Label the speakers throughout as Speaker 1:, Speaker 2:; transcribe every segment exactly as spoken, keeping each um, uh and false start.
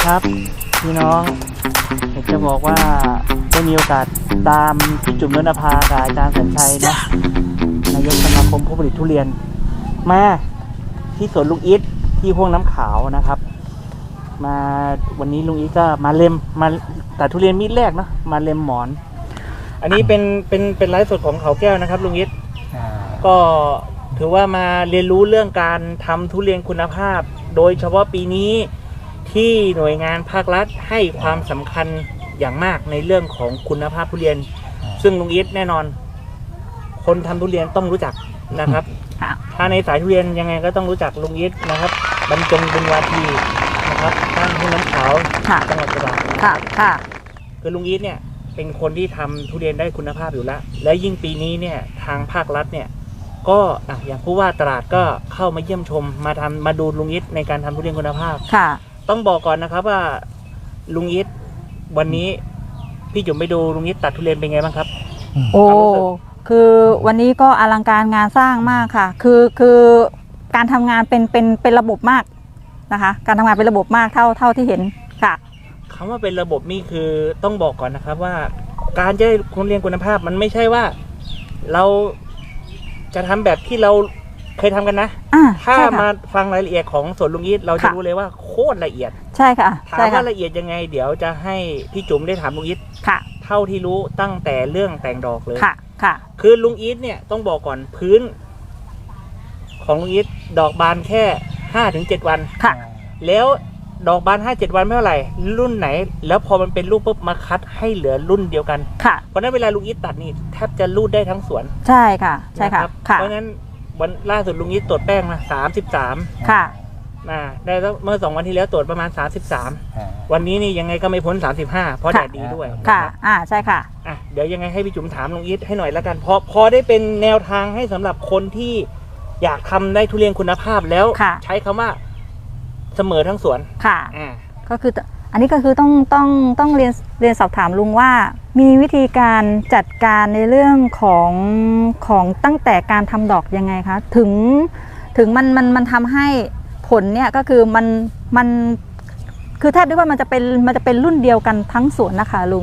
Speaker 1: ครับพี่น้องอยากจะบอกว่าได้มีโอกาสตามพี่จุ๋มนนภากับอาจารย์สัญชัยนะนายกสมาคมผู้ผลิตทุเรียนมาที่สวนลุงอิทที่พวงน้ำขาวนะครับมาวันนี้ลุงอิทก็มาเล็มมาตัดทุเรียนมีดแรกนะมาเล็มหมอนอันนี้เป็นเป็นเป็นไลฟ์สดของเขาแก้วนะครับลุงอิทก็ถือว่ามาเรียนรู้เรื่องการทำทุเรียนคุณภาพโดยเฉพาะปีนี้ที่หน่วยงานภาครัฐให้ความสำคัญอย่างมากในเรื่องของคุณภาพทุเรียนซึ่งลุงอิทแน่นอนคนทำทุเรียนต้องรู้จักนะครับถ้าในสายทุเรียนยังไงก็ต้องรู้จักลุงอิทนะครับบรรจงบุญวาทีนะครับบ้านทุ่งน้ำขาวจังหวัดตราดค่ะค่ะคือลุงอิทเนี่ยเป็นคนที่ทำทุเรียนได้คุณภาพอยู่แล้วและยิ่งปีนี้เนี่ยทางภาครัฐเนี่ยก็อย่างผู้ว่าตราดก็เข้ามาเยี่ยมชมมาทำมาดูลุงอิทในการทำทุเรียนคุณภาพค่ะต้องบอกก่อนนะครับว่าลุงอิทวันนี้พี่จุ๋มไปดูลุงอิทตัดทุเรียนเป็นไงบ้างครับ
Speaker 2: โอ้คือวันนี้ก็อลังการงานสร้างมากค่ะคือคือการทำงานเป็นเป็นเป็นระบบมากนะคะการทำงานเป็นระบบมากเท่าเท่าที่เห็นค่ะ
Speaker 1: คำว่าเป็นระบบนี่คือต้องบอกก่อนนะครับว่าการจะได้ทุเรียนคุณภาพมันไม่ใช่ว่าเราจะทำแบบที่เราเคยทำกันนะถ้ามาฟังรายละเอียดของสวนลุงอิทเราจะรู้เลยว่าโคตรละเอียด
Speaker 2: ใช่ค่ะ
Speaker 1: ถามว่าละเอียดยังไงเดี๋ยวจะให้พี่จุ๋มได้ถามลุงอิทเท่าที่รู้ตั้งแต่เรื่องแต่งดอกเลยค่ะค่ะคือลุงอิทเนี่ยต้องบอกก่อนพื้นของลุงอิทดอกบานแค่ห้าถึงเจ็ดวันค่ะแล้วดอกบานห้าเจ็ดวันไม่เท่าไหร่รุ่นไหนแล้วพอมันเป็นลูกปุ๊บมาคัดให้เหลือรุ่นเดียวกันค่ะเพราะนั้นเวลาลุงอิทตัดนี่แทบจะรูดได้ทั้งสวน
Speaker 2: ใช่ค่ะใช่ค่ะ
Speaker 1: เพราะนั้นวันล่าสุดลุงอิทตรวจแป้งมาสามสิบสามค่ะนะได้เมื่อสองวันที่แล้วตรวจประมาณสามสิบสามวันนี้นี่ยังไงก็ไม่พ้นสามสิบห้าเพราะแดดดีด้วย
Speaker 2: ค่ะอ่าใช่ค่ะ
Speaker 1: อ่ะเดี๋ยวยังไงให้พี่จุ๋มถามลุงอิทให้หน่อยแล้วกันพอพอได้เป็นแนวทางให้สำหรับคนที่อยากทำได้ทุเรียนคุณภาพแล้วใช้คำว่าเสมอทั้งสวน
Speaker 2: ค่ะอ่าก็คืออันนี้ก็คือต้องต้องต้องเรียนเรียนสอบถามลุงว่ามีวิธีการจัดการในเรื่องของของตั้งแต่การทำดอกยังไงคะถึงถึงมันมันมันทำให้ผลเนี่ยก็คือมันมันคือแทบได้ว่ามันจะเป็นมันจะเป็นรุ่นเดียวกันทั้งสวนนะคะลุง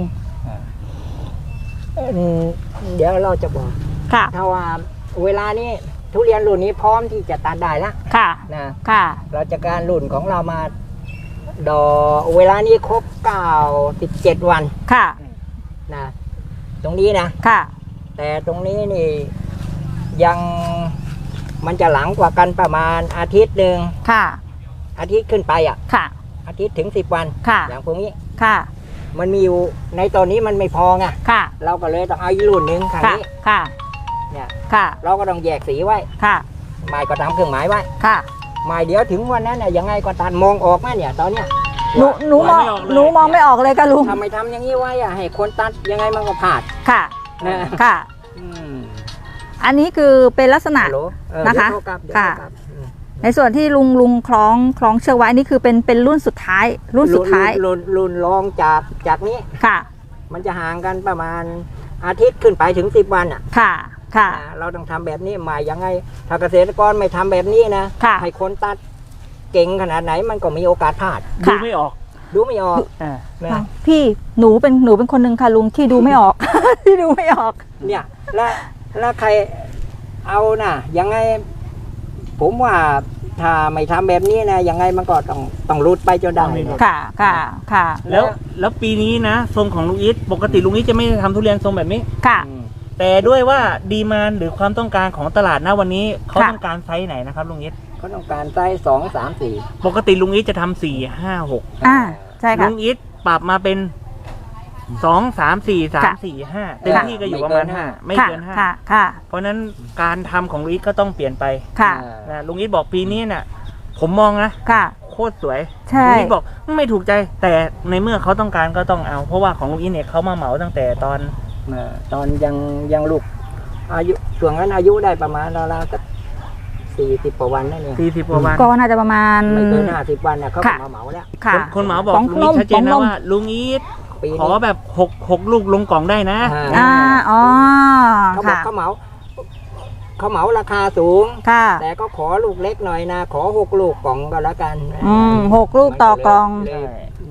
Speaker 3: เดี๋ยวเราจะบอกค่ะถ้าว่าเวลานี้ทุเรียนรุ่นนี้พร้อมที่จะตัดได้แล้วค่ะนะค่ะเราจะการรุ่นของเรามาดอกเวลานี้ครบเก้าสิบเจ็ดวันค่ะนะตรงนี้นะค่ะแต่ตรงนี้นี่ยังมันจะหลังกว่ากันประมาณอาทิตย์หนึ่งค่ะอาทิตย์ขึ้นไปอ่ะค่ะอาทิตย์ถึงสิบวันค่ะอย่างพวกนี้ค่ะมันมีอยู่ในตอนนี้มันไม่พอไงค่ะเราก็เลยต้องเอาอีกรุ่นหนึ่งค่ะนี้ค่ะเนี่ยค่ะเราก็ต้องแยกสีไว้ค่ะหมายก็ทำเครื่องหมายไว้ค่ะหมายเดี๋ยวถึงวันนั้นเนี่ยยังไงก็ตัดมองออกไหมเนี่ยตอนเนี้ย
Speaker 2: หนูหนูมองหนูมองไม่ออกเลยค่ะลุง
Speaker 3: ทำไมทำอย่างนี้ไว้อะให้คนตัดยังไงมันก็พลาด
Speaker 2: ค่ะนะค่ะอันนี้คือเป็นลักษณะนะคะค่ะในส่วนที่ลุงลุงคล้องคล้องเชือกไว้นี่คือเป็นเป็นรุ่นสุดท้ายรุ่นสุดท้าย
Speaker 3: รุ่นรุ่นรองจากจากนี้ค่ะมันจะห่างกันประมาณอาทิตย์ขึ้นไปถึงสิบวันอ่ะค่ะค่ะเราต้องทำแบบนี้หมายยังไงถ้าเกษตรกรไม่ทำแบบนี้นะให้คนตัดเก่งขนาดไหนมันก็มีโอกาสพลาด
Speaker 1: ดูไม่ออก
Speaker 3: ดูไม่ออก
Speaker 2: พี่หนูเป็นหนูเป็นคนหนึ่งค่ะลุงที่ดูไม่ออกที่ดูไม่ออก
Speaker 3: เนี่ยแล้วแล้วใครเอาน่ะยังไงผมว่าถ้าไม่ทำแบบนี้นะยังไงมันก็ต้องต้องรุดไปจนได้
Speaker 2: ค่ะค่ะค่ะ
Speaker 1: แล้วแล้วปีนี้นะทรงของลุงอิทปกติลุงอิทจะไม่ทำทุเรียนทรงแบบนี้ค่ะแต่ด้วยว่าดีมานด์หรือความต้องการของตลาดณวันนี้เขาต้องการไซส์ไหนนะครับลุงอิท
Speaker 3: เขาต้องการไซส์สองสามสี่
Speaker 1: ปกติลุงอิทจะทำสี่ห้าหก
Speaker 2: อ่าใช่ค่ะ
Speaker 1: ลุงอิทปรับมาเป็นสองสามสี่สามสี่ห้าเต็มที่ก็อยู่ประมาณห้าไม่เกินห้าเพราะนั้นการทำของลุงอิทก็ต้องเปลี่ยนไปนะลุงอิทบอกปีนี้เนี่ยผมมองนะโคตรสวยลุงอิทบอกไม่ถูกใจแต่ในเมื่อเขาต้องการก็ต้องเอาเพราะว่าของลุงอิทเนี่ยเขามาเหมาตั้งแต่ตอน
Speaker 3: ตอนยังยังลูกอายุช่วงนั้นอายุได้ประมาณราวๆสักสี่สิบกว่าวันนั่นเอง
Speaker 1: สี่สิบกว่าวัน
Speaker 2: ก็น่าจะประมาณ
Speaker 3: ไม่เกินห้าสิบวันเนี่ยเขามาเหมาแล้ว
Speaker 1: คนเหมาบอกลุงอิทชัดเจนนะว่าลุงอิทขอแบบหกหกลูกลงกล่องได้นะ
Speaker 2: อ่าอ๋อ
Speaker 3: เขาบอกเขาเหมาเขาเหมาราคาสูงค่ะแต่ก็ขอลูกเล็กหน่อยนะขอหกลูกกล่องก็แล้วกัน
Speaker 2: อืมหกลูกต่อกล่อง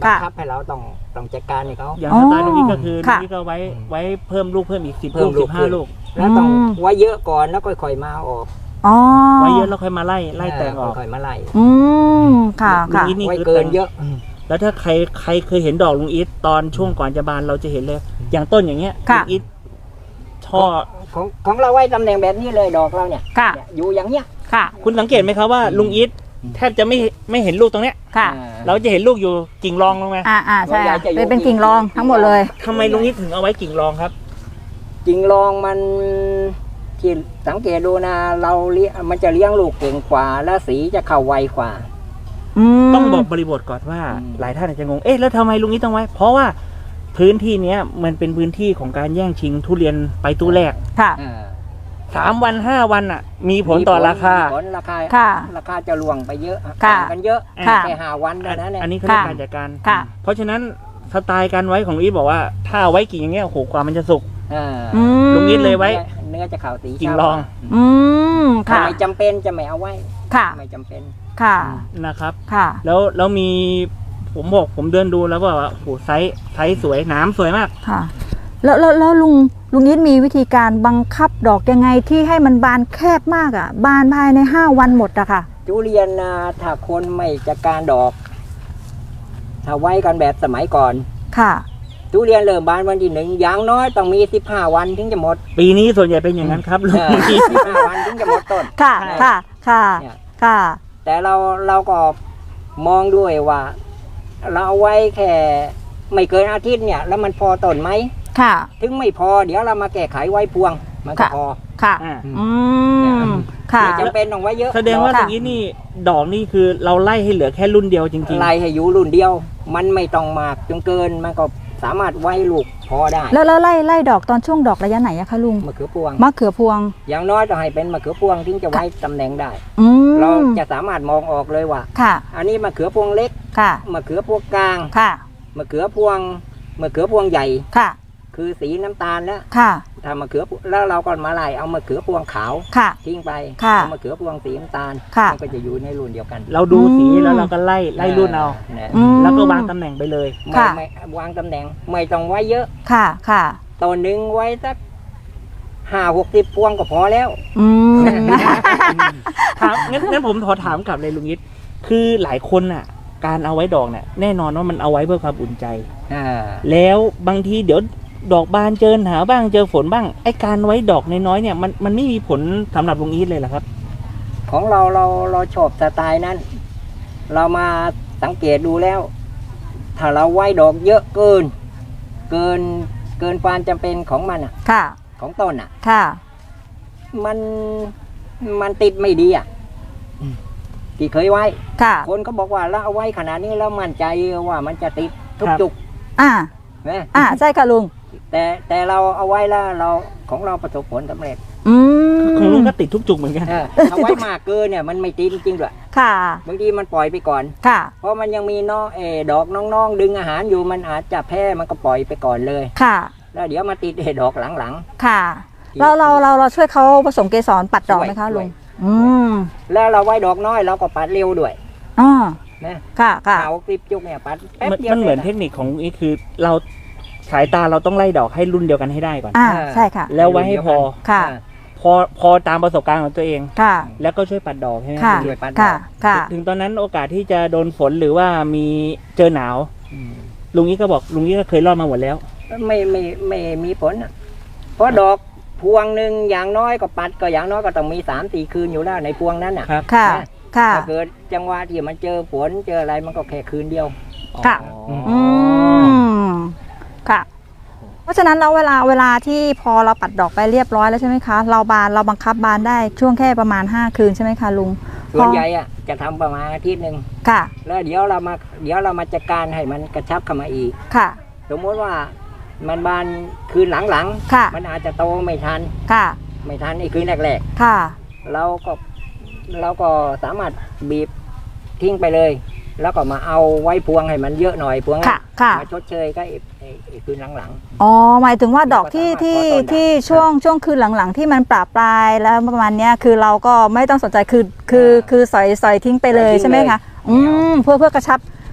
Speaker 3: บังคับให้เราต้องต้องจัดการให้เขา
Speaker 1: อย่าง
Speaker 2: อ๋อ
Speaker 1: สไตล์ลุงอีทก็คือลุ
Speaker 2: ค่ะ
Speaker 1: งอีทก็ไว้ไว้เพิ่มลูกเพิ่มอีกสิบ
Speaker 3: เพิ่
Speaker 1: ลู
Speaker 3: ม
Speaker 1: ก
Speaker 3: ลู
Speaker 1: สิ
Speaker 3: ก
Speaker 1: บห้า
Speaker 3: ขึ้น
Speaker 1: ลูก
Speaker 3: แล้วต้อง
Speaker 2: อืม
Speaker 3: ไว้เยอะก่อนแล้วค่อยๆมาเอาออก
Speaker 2: อ๋อ
Speaker 1: ไว้เยอะแล้วค่อยมาไล่ไล่แตงออก
Speaker 3: ค่อยๆมาไล่
Speaker 2: อืมค่ะ
Speaker 1: ลุง
Speaker 2: ค่ะ
Speaker 1: อีทนี่
Speaker 3: ไว้
Speaker 1: คือ
Speaker 3: เกิน
Speaker 1: แตง
Speaker 3: เยอะ
Speaker 1: แล้วถ้าใครใครเคยเห็นดอกลุงอีทตอนช่วงก่อนจะบานเราจะเห็นเลย อย่างต้นอย่างเงี้ย
Speaker 2: ค่ะ
Speaker 1: ลุงอีทช่อ
Speaker 3: ของของเราไว้ตำแหน่งแบบนี้เลยดอกเราเนี่ย
Speaker 2: ค่ะ
Speaker 3: เนี่ยอยู่อย่างเนี้ย
Speaker 2: ค่ะ
Speaker 1: คุณสังเกตไหมครับว่าลุงอีทแทบจะไม่ไม่เห็นลูกตรงเนี้ย
Speaker 2: ค่ะ
Speaker 3: อ่า
Speaker 1: เราจะเห็นลูกอยู่กิ่งรองลงมา
Speaker 2: อ่าอ่าใช่
Speaker 3: ส่วนใหญ่จะอยู่
Speaker 2: เป็นเป็นกิ่งรองทั้งหมดเลย
Speaker 1: ทำไมลุงอีทถึงเอาไว้กิ่งรองครับ
Speaker 3: จริงลองมันที่สังเกตดูนะเราเลี้ยงมันจะเลี้ยงลูกเก่งกว่าและสีจะเข้าไวกว่า
Speaker 2: อืม
Speaker 1: ต้องบอกบริบทก่อนว่า
Speaker 3: อืม
Speaker 1: หลายท่านอาจจะงง เอ๊ะแล้วทำไมลุงอีทต้องไว้ เพราะว่าพื้นที่เนี้ยมันเป็นพื้นที่ของการแย่งชิงทุเรียนไปตู้แรก
Speaker 2: ค่ะ
Speaker 3: อ่า
Speaker 1: สามวันห้าวันอ่ะ มีผลต่อราคา
Speaker 3: ผลราคา
Speaker 2: ค่ะ
Speaker 3: ราคาจะล่วงไปเยอะ
Speaker 2: ค่ะ
Speaker 3: ต่างกันเยอะ
Speaker 2: ค่ะ
Speaker 3: แค่ห้าวันเท่านั้นเนี่ย
Speaker 1: อันนี้เขาเรียก
Speaker 2: ค่ะ
Speaker 1: การจัดการ
Speaker 2: ค่ะ
Speaker 1: เพราะฉะนั้นสไตล์การไว้ของลุงอีทบอกว่า ถ้าเอาไว้กิ่งอย่างเงี้ยโอ้โหกว่ามันจะสุก
Speaker 3: อ่า
Speaker 2: อืม
Speaker 1: ลุงอีทเลยไว้
Speaker 3: เนื้อจะขาวสี
Speaker 1: กิ่งรอง
Speaker 2: อืม
Speaker 3: ถ้า
Speaker 2: ค่ะ
Speaker 3: ไม่จำเป็นจะไม่เอาไว้
Speaker 2: ค่ะ
Speaker 3: ไม่จำเป็น
Speaker 2: ค่ะ
Speaker 1: นะครับ
Speaker 2: ค่ะ
Speaker 1: แล้วแล้วมีผมบอกผมเดินดูแล้วว่าโอ้โหไซส์ไซส์สวยหนามสวยมาก
Speaker 2: ค่ะ แล้วแล้วแล้วลุงลุงยิดมีวิธีการบังคับดอกยังไงที่ให้มันบานแคบมากอ่ะ บานภายในห้าวันหมดอะค่ะ
Speaker 3: ทุเรียนนะถ้าคนไม่จัดการดอก ถ้าไว้กันแบบสมัยก่อน
Speaker 2: ค่ะ
Speaker 3: ทุเรียนเริ่มบานวันที่หนึ่งอย่างน้อยต้องมีสิบห้าวันถึงจะหมด
Speaker 1: ปีนี้ส่วนใหญ่เป็นอย่างนั้นครับลุง
Speaker 3: สิบห้าวันถึงจะหมดต้น
Speaker 2: ค่ะ
Speaker 3: ใช่
Speaker 2: ค่ะ ค่ะ
Speaker 3: เนี่ย
Speaker 2: ค่ะ
Speaker 3: แต่เราเราก็มองด้วยว่า เราเอาไว้แค่ไม่เกินอาทิตย์เนี่ย แล้วมันพอต้นไหม
Speaker 2: ค่ะ
Speaker 3: ถึงไม่พอเดี๋ยวเรามาแก้ไขไว้พวง มันก็
Speaker 2: ค่ะ
Speaker 3: พอ
Speaker 2: ค่ะ
Speaker 1: อ่า
Speaker 2: อืม ค่ะ
Speaker 3: ไม่จำเป็นต้องไว้เยอะ
Speaker 1: แสดงว่า
Speaker 2: ค่ะ
Speaker 1: อย่างนี้นี่ดอกนี่คือเราไล่ให้เหลือแค่รุ่นเดียวจริง
Speaker 3: ไล่ให้อยู่รุ่นเดียว มันไม่ต้องมากจนเกินมันก็สามารถไว้ลูกพอได้
Speaker 2: แล้วแล้วไล่ไล่ดอกตอนช่วงดอกระยะไหนอะคะลุง
Speaker 3: มะเขือพวง
Speaker 2: มะเขือพวง
Speaker 3: อย่างน้อยต้องให้เป็นมะเขือพวงถึงจะไว้ตำแหน่งได้
Speaker 2: อืม
Speaker 3: เราจะสามารถมองออกเลยว่า
Speaker 2: ค่ะ
Speaker 3: อันนี้มะเขือพวงเล็ก
Speaker 2: ค่ะ
Speaker 3: มะเขือพวงกลาง
Speaker 2: ค่ะ
Speaker 3: มะเขือพวงมะเขือพวงใหญ่
Speaker 2: ค่ะ
Speaker 3: คือสีน้ำตาลแล้ว
Speaker 2: ค่ะ
Speaker 3: ถ้ามะเขือแล้วเราก็มาไล่เอามะเขือพวงขาว
Speaker 2: ค่ะ
Speaker 3: ทิ้งไป
Speaker 2: ค่ะ
Speaker 3: เอามะเขือพวงสีน้ำตาล
Speaker 2: ค่ะ
Speaker 3: มันก็จะอยู่ในรุ่นเดียวกัน
Speaker 1: ๆ เราดูสีแล้วเราก็ไล่ไล่รุ่นเอา
Speaker 3: นะ
Speaker 2: อืม
Speaker 1: แล้วก็วางตำแหน่งไปเลย
Speaker 3: ไม่
Speaker 2: ค่ะ
Speaker 3: ไม่วางตำแหน่งไม่ต้องไว้เยอะ
Speaker 2: ค่ะ ค่ะ
Speaker 3: ต้นหนึ่งไว้สักห้าหกสิบพวงก็พอแล้ว
Speaker 2: อืม
Speaker 1: ถามงั้นงั้นผมขอถามกลับเลยลุงยิทคือหลายคนน่ะ การเอาไว้ดอกเนี่ยแน่นอนว่ามันเอาไว้เพื่อความอุ่นใจ
Speaker 3: อ่า
Speaker 1: แล้วบางทีเดี๋ยวดอกบานเจอหนาวบ้างเจอฝนบ้างไอ้การไว้ดอกน้อยๆเนี่ยมันมันไม่มีผลสำหรับลุงอีทเลยเหรอครับ
Speaker 3: ของเราเราเราชอบสไตล์นั้น เรามาสังเกตดูแล้ว ถ้าเราไว้ดอกเยอะเกิน เกินเกินความจำเป็นของมันอ่ะ
Speaker 2: ค่ะ
Speaker 3: ของต้นอ่ะ
Speaker 2: ค่ะ
Speaker 3: มันมันติดไม่ดีอ่ะที่เคยไว้
Speaker 2: ค่ะ
Speaker 3: คนก็บอกว่าเราเอาไว้ขนาดนี้แล้วมั่นใจว่ามันจะติดทุก
Speaker 1: ครับ
Speaker 3: จุก
Speaker 2: อ่า
Speaker 3: นะ
Speaker 2: อ่า ใช่ค่ะลุง
Speaker 3: แต่แต่เราเอาไว้แล้วเราของเราประสบผลสำเร็จ
Speaker 2: อืม
Speaker 1: ของลุงก็ติดทุกจุกเหมือนกัน
Speaker 3: เออเอาไว้มากเกินเนี่ยมันไม่ติดจริงๆด้วย
Speaker 2: ค่ะ
Speaker 3: บางทีมันปล่อยไปก่อน
Speaker 2: ค่ะ
Speaker 3: เพราะมันยังมีน้องเออดอกน้องๆ ดึงอาหารอยู่มันอาจจะแพ้มันก็ปล่อยไปก่อนเลย
Speaker 2: ค่ะ
Speaker 3: แล้วเดี๋ยวมาติดเออดอกหลัง
Speaker 2: ค่ะ
Speaker 3: ที่
Speaker 2: เราเราเราเราช่วยเขาผสมเกสรปัดดอกไหมคะ
Speaker 3: ช่วย
Speaker 2: ลุง อืม
Speaker 3: ๆ แล้วเราไว้ดอกน้อยเราก็ปัดเร็วด้วย
Speaker 2: อ๋อ
Speaker 3: นะ
Speaker 2: ค่ะ ค่ะ
Speaker 3: เอาคลิปจุกเนี่ยปัดแป๊บ
Speaker 1: มัน
Speaker 3: เดียว
Speaker 1: มันเหมือน
Speaker 3: ส
Speaker 1: เท
Speaker 3: ร็จ
Speaker 1: คนิคของลุงอีทคือเราสายตาเราต้องไล่ดอกให้รุ่นเดียวกันให้ได้ก่อน
Speaker 2: อ่า ใช่ค่ะ
Speaker 1: แล้วไว้ให้พอ
Speaker 2: ค่ะ
Speaker 3: อ่า
Speaker 1: พอพอตามประสบการณ์ของตัวเอง
Speaker 2: ค่ะ
Speaker 1: แล้วก็ช่วยปัดดอกใช่ไหม
Speaker 2: ค่ะ
Speaker 3: ช่วยปัดด
Speaker 2: ค่ะ
Speaker 3: อก
Speaker 2: ค่ะ
Speaker 1: ถึงตอนนั้นโอกาสที่จะโดนฝนหรือว่ามีเจอหนาว
Speaker 3: อืม
Speaker 1: ลุงอีทก็บอกลุงอีทก็เคยรอดมาหมดแล้ว
Speaker 3: ไม่ไม่ไม่มีผลอะเพราะดอกพวงหนึ่งอย่างน้อยก็ปัดก็อย่างน้อยก็ต้องมีสามสี่คืนอยู่แล้วในพวงนั้นอ่ะ
Speaker 1: ครับ
Speaker 2: ค่ะ ค่ะ
Speaker 3: ถ้าเกิดจังหวะที่มันเจอฝนเจออะไรมันก็แค่คืนเดียว
Speaker 2: ค่ะ
Speaker 1: อ๋อ
Speaker 2: อืม ค่ะ เพราะฉะนั้นเราเวลาเวลาที่พอเราปัดดอกไปเรียบร้อยแล้วใช่ไหมคะ เราบานเราบังคับบานได้ช่วงแค่ประมาณห้าคืนใช่ไหมคะลุง
Speaker 3: ส่วนใหญ่อะจะทำประมาณอาทิตย์หนึ่ง
Speaker 2: ค่ะ
Speaker 3: แล้วเดี๋ยวเรามาเดี๋ยวเรามาจัดการให้มันกระชับเข้ามาอีก
Speaker 2: ค่ะ
Speaker 3: สมมติว่ามันบานคืนหลัง
Speaker 2: ค่ะ
Speaker 3: ๆมันอาจจะโตไม่ทัน
Speaker 2: ค่ะ
Speaker 3: ไม่ทันไอ้คืนแรก
Speaker 2: ค่ะ
Speaker 3: ๆเราก็เราก็สามารถบีบทิ้งไปเลย แล้วก็มาเอาไว้พวงให้มันเยอะหน่อยพวงนั้น
Speaker 2: ค่ะ ค่ะ
Speaker 3: มาชดเชยก็ไอ้ไอ้ไอ้คืนหลัง
Speaker 2: อ๋อ หมายถึงว่าดอกที่
Speaker 3: ก็สามารถ
Speaker 2: ที่
Speaker 3: ขอต้นได้
Speaker 2: ที่ช่วงช่วงคืนหลังๆ ที่มันปราปลายแล้วประมาณเนี้ยคือเราก็ไม่ต้องสนใจคือคือ
Speaker 3: อ่า
Speaker 2: คือสอยสอยทิ้งไปเลย
Speaker 3: สอยทิ้ง
Speaker 2: ใช่ไหมคะ
Speaker 3: เลย
Speaker 2: อืมเพื่อเพื่อกระชับ